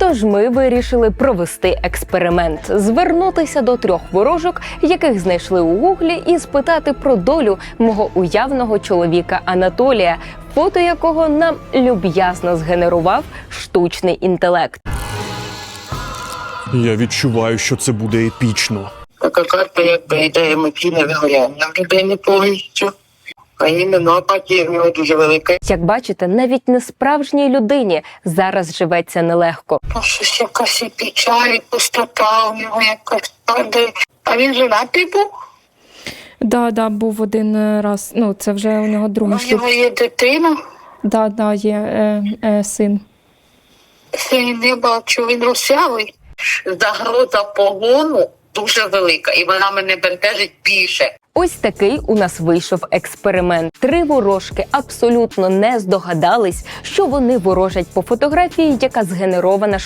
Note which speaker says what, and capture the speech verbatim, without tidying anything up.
Speaker 1: Тож ми вирішили провести експеримент, звернутися до трьох ворожок, яких знайшли у гуглі, і спитати про долю мого уявного чоловіка Анатолія, фото якого нам люб'язно згенерував штучний інтелект.
Speaker 2: Я відчуваю, що це буде епічно.
Speaker 3: Така карта, якби йде емоційне вигоряння в людини повністю. А іменно апатія в нього дуже велика.
Speaker 1: Як бачите, навіть несправжній людині зараз живеться нелегко.
Speaker 3: Ну, щось якась і печаль, і пустота у нього якась падає. А він женатий був?
Speaker 4: Да, да, був один раз. Ну, це вже у нього
Speaker 3: У
Speaker 4: другий шлюб.
Speaker 3: нього є дитина.
Speaker 4: Да, да, є е, е, син.
Speaker 3: Син не бачу, він русявий. Загроза погону дуже велика, і вона мене бентежить більше.
Speaker 1: Ось такий у нас вийшов експеримент. Три ворожки абсолютно не здогадались, що вони ворожать по фотографії, яка згенерована